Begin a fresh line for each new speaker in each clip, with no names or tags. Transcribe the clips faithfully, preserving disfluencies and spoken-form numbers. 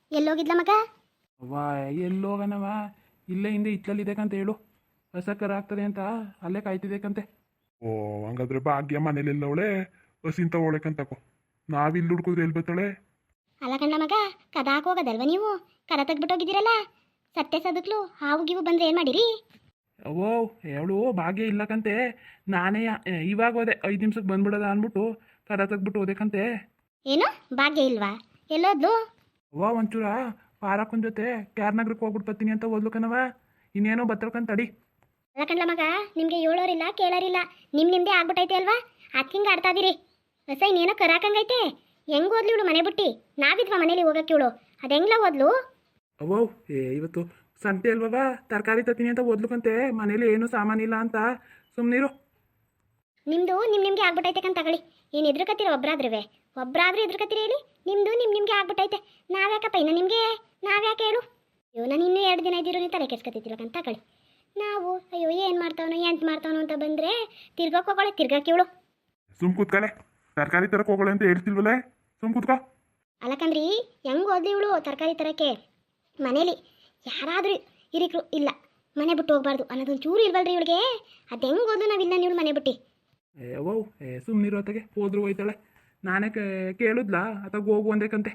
ಎಲ್ಲೋಗಿದ್ಲ ಮಗ?
ವಾ ಎಲ್ಲೋಗನವ, ಇಲ್ಲೇ ಹಿಂದೆ ಇತ್ತಲಿದೆಕಂತ ಹೇಳು. ಹೊಸ ಕರ ಆಗ್ತದೆ ಅಂತ ಅಲ್ಲೇ ಕಾಯ್ತಿದ್ದೇಕಂತೆ.
ಓ ಹಂಗಾದ್ರೆ ಭಾಗ್ಯ ಮನೇಲಿಲ್ಲವಳೆ, ಹಸಿಂತ ಒಳಕಂತಕೋ. ನಾವಿಲ್ಲಿ ಹುಡ್ಕೋದ್ರೆ ಎಲ್ಲಿ ಬರ್ತಾಳೆ?
ಅಲ್ಲ ಕಣ್ಣ ಮಗ, ಕದ ಹಾಕೋಗದಲ್ವ ನೀವು? ಕರ ತೆಗ್ಬಿಟ್ಟೋಗಿದ್ದೀರಲ್ಲ, ಸತ್ತೆ ಸದಕ್ಲು ಹಾವು ಗೀವು ಬಂದ್ರೆ ಏನು ಮಾಡಿರಿ?
ಓ ಹೇಳು, ಭಾಗ್ಯ ಇಲ್ಲಕಂತೆ. ನಾನೇ ಇವಾಗ ಹೋದೆ, ಐದು ನಿಮಿಷಕ್ಕೆ ಬಂದ್ಬಿಡೋದ ಅಂದ್ಬಿಟ್ಟು ಕರ ತೆಗ್ಬಿಟ್ಟು ಹೋದೆಕಂತೆ.
ಏನು ಭಾಗ್ಯ ಇಲ್ವಾ? ಎಲ್ಲೋದ್ಲು?
ಅವ್ವ ಒಂಚೂರ ಪಾರಕ್ಕನ ಜೊತೆ ಕ್ಯಾರ್ನಗರಕ್ಕೆ ಹೋಗ್ಬಿಟ್ಟು ಬರ್ತೀನಿ ಅಂತ ಓದ್ಲು ಕಣವ. ಇನ್ನೇನೋ ಬತ್ತಳ್ಕಂತ ತಡಿ.
ಅಲ್ಲ ಕಣ್ಣ ಮಗ, ನಿಮಗೆ ಹೇಳೋರಿಲ್ಲ ಕೇಳೋರಿಲ್ಲ, ನಿಮ್ ನಿಮ್ದೇ ಆಗ್ಬಿಟ್ಟೈತೆ ಅಲ್ವಾ? ಅದಕ್ಕಿಂಗೆ ಆಡ್ತಾ ಇದೀರಿ. ಹೊಸ ಇನ್ನೇನೋ ಕರಾಕಂಗೈತೆ. ಹೆಂಗ್ ಓದ್ಲಿ ಇವಳು ಮನೆ ಬಿಟ್ಟು? ನಾವಿದ್ವಾ ಮನೇಲಿ ಹೋಗಕ್ಕೆ ಇವಳು? ಅದು ಹೆಂಗ್ಲ ಓದ್ಲು?
ಅವ್ವ ಏ ಇವತ್ತು ಸಂತೆ ಅಲ್ವವ, ತರಕಾರಿ ತತ್ತೀನಿ ಅಂತ ಓದ್ಲುಕಂತೆ. ಮನೇಲಿ ಏನು ಸಾಮಾನಿಲ್ಲ ಅಂತ ಸುಮ್ಮನಿರು.
ನಿಮ್ದು ನಿಮ್ ನಿಮ್ಗೆ ಆಗ್ಬಿಟ್ಟೈತೆ ಕಂತ ತಗೊಳ್ಳಿ. ಏನು ಎದ್ರಕತ್ತೀರ ಒಬ್ರಾದ್ರೂ? ಒಬ್ರಾದ್ರೂ ಎದ್ರಕತ್ತೀರಿ ಹೇಳಿ? ನಿಮ್ದು ನಿಮ್ ನಿಮ್ಗೆ ಆಗ್ಬಿಟ್ಟೈತೆ. ನಾವ್ಯಾಕಪ್ಪ ಇನ್ನು ನಿಮಗೆ? ನಾವ್ಯಾಕೆ ಹೇಳು? ಅಯ್ಯೋ ನಾನು ಇನ್ನೂ ಎರಡು ದಿನ ಇದ್ದೀರೋ ನೀವು ತಲೆ ಕೆಡ್ಸ್ಕೊತಿದ್ದಿಲ್ಲ ಕಂತ ತಗೊಳ್ಳಿ. ನಾವು ಅಯ್ಯೋ ಏನು ಮಾಡ್ತಾವನೋ ಎಂತ ಮಾಡ್ತಾವನೋ ಅಂತ ಬಂದರೆ ತಿರ್ಗಕ್ಕೆ ಹೋಗೋಳೆ, ತಿರ್ಗಕ್ಕೆ ಇವಳು.
ಸುಮ್ ಕೂತ್ಕಲೆ, ತರಕಾರಿ ತರಕ್ ಹೋಗೋಳೆ ಅಂತ ಹೇಳ್ತಿಲ್ವಲ್ಲೇ, ಸುಮ್ ಕೂತ್ಕೋ.
ಅಲ್ಲಕಂದ್ರಿ ಹೆಂಗೆ ಓದ್ಲಿ ಇವಳು ತರಕಾರಿ ತರಕ್ಕೆ? ಮನೇಲಿ ಯಾರಾದರೂ ಹಿರಿಕರು ಇಲ್ಲ, ಮನೆ ಬಿಟ್ಟು ಹೋಗ್ಬಾರ್ದು ಅನ್ನೋದೊಂದು ಚೂರು ಇಲ್ವಲ್ರಿ ಇವಳಿಗೆ? ಅದು ಹೆಂಗೆ ಓದು ನಾವಿಲ್ಲ ನೀವು ಮನೆ ಬಿಟ್ಟು?
ಏ ಅವ್ವ ಏ ಸುಮ್ಮನಿರು, ಅತ್ತಗೆ ಹೋದ್ರು ಹೋಯ್ತಾಳೆ. ನಾನೇ ಕೇಳಿದ್ಲಾ ಅತ್ತಾಗ ಹೋಗು ಅಂದೇಕಂತೆ.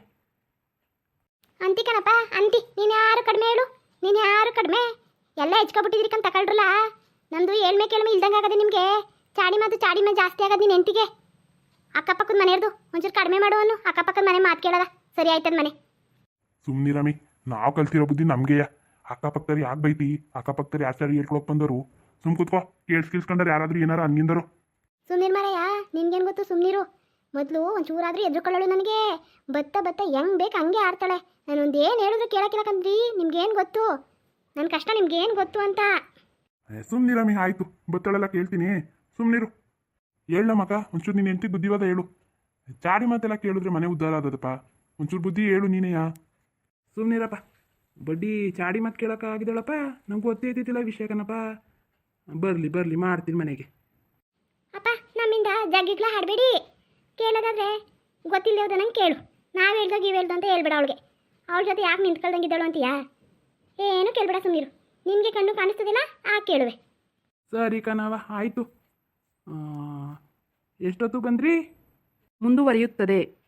ಅಂತಿಕನಪ್ಪ ಅಂತಿ, ನೀನು ಯಾರು ಕಡಿಮೆ ಹೇಳು? ನೀನು ಯಾರು ಕಡಿಮೆ? ಎಲ್ಲ ಹೆಚ್ಕೊಬಿಟ್ಟಿದ್ರಿ ಕಂತ ತಗೊಳ್ರಲ್ಲ. ನಂದು ಏಳ್ಮೆ ಕೇಳ್ಮೆ ಇಲ್ದಂಗೆ ಆಗದೆ ನಿಮಗೆ. ಚಾಡಿ ಮಾತು ಚಾಡಿ ಮೇಲೆ ಜಾಸ್ತಿ ಆಗದು ನೀನು ಎಂಟಿಗೆ. ಅಕ್ಕಪಕ್ಕದ ಮನೆಯವ್ರದು ಒಂಚೂರು ಕಡಿಮೆ ಮಾಡುವನು. ಅಕ್ಕಪಕ್ಕದ ಮನೆ ಮಾತು ಕೇಳದ ಸರಿ ಆಯ್ತದ ಮನೆ.
ಸುಮ್ನಿರಮಿ, ನಾವು ಕಲ್ತಿರೋ ಬುದ್ಧಿ ನಮ್ಗೆಯ. ಅಕ್ಕಪಕ್ಕದವ್ರು ಯಾಕೆ ಬೈತಿ? ಅಕ್ಕಪಕ್ಕದವ್ರು ಯಾರು ಸರಿ ಹೇಳ್ಕೊಳಕ್ ಬಂದರು? ಸುಮ್ ಕೂತ್ಕೋ, ಕೇಳ್ಸ್ ಕೇಳ್ಸ್ಕೊಂಡ್ರೆ ಯಾರಾದ್ರೂ ಏನಾರು ಹಂಗಿಂದರು.
ಸುಮ್ಮನಿರು ಮಾರಯ್ಯ, ನಿನ್ಗೇನು ಗೊತ್ತು? ಸುಮ್ಮನಿರು. ಮೊದಲು ಒಂಚೂರಾದ್ರೂ ಎದ್ರುಕೊಳ್ಳೋಳು ನನಗೆ. ಬತ್ತ ಬತ್ತ ಹೆಂಗೆ ಬೇಕು ಹಂಗೆ ಆಡ್ತಾಳೆ. ನಾನೊಂದು ಏನು ಹೇಳಿದ್ರು ಕೇಳಕ್ಕಿಲ್ಲಕಂದ್ರಿ. ನಿಮ್ಗೇನು ಗೊತ್ತು ನನ್ನ ಕಷ್ಟ? ನಿಮ್ಗೇನು ಗೊತ್ತು ಅಂತ?
ಸುಮ್ನಿರಮಿ, ಆಯ್ತು ಬತ್ತಳೆಲ್ಲ ಕೇಳ್ತೀನಿ, ಸುಮ್ನಿರು. ಹೇಳ ಮಗ, ಒಂಚೂರು ನೀನು ಎಂಟಿ ಬುದ್ಧಿವಾದ ಹೇಳು. ಚಾಡಿ ಮಾತೆಲ್ಲ ಕೇಳಿದ್ರೆ ಮನೆ ಉದ್ಧಾರ ಆದದಪ್ಪ. ಒಂಚೂರು ಬುದ್ಧಿ ಹೇಳು ನೀನೆಯಾ.
ಸುಮ್ಮನಿರಪ್ಪ, ಬಡ್ಡಿ ಚಾಡಿ ಮತ್ತೆ ಕೇಳೋಕ್ಕಾಗಿದ್ದಾಳಪ್ಪ. ನಮ್ಗೆ ಗೊತ್ತೈತಿಲ್ಲ ವಿಷಯ ಕಣಪ್ಪ. ಬರಲಿ ಬರಲಿ ಮಾಡ್ತೀನಿ ಮನೆಗೆ.
ಅಪ್ಪ ನಮ್ಮಿಂದ ಜಗ್ಗಿಗ್ಲ ಹಾಡಬೇಡಿ. ಕೇಳೋದಾದ್ರೆ ಗೊತ್ತಿಲ್ಲದ ನಂಗೆ ಕೇಳು. ನಾವು ಹೇಳ್ದಾಗ ಇವು ಹೇಳ್ದು ಅಂತ ಹೇಳ್ಬೇಡ ಅವಳಿಗೆ. ಅವಳ ಜೊತೆ ಯಾಕೆ ನಿಂತ್ಕೊಳ್ದಂಗಿದ್ದಾಳು ಅಂತೀಯಾ? ಏನು ಕೇಳ್ಬೇಡ, ಸುಮ್ಮನಿರು. ನಿಮಗೆ ಕಣ್ಣು ಕಾಣಿಸ್ತದಿಲ್ಲ ಆ ಕೇಳುವೆ.
ಸರಿ ಕಣವ, ಆಯಿತು. ಎಷ್ಟೊತ್ತು ಬಂದ್ರಿ?
ಮುಂದುವರಿಯುತ್ತದೆ.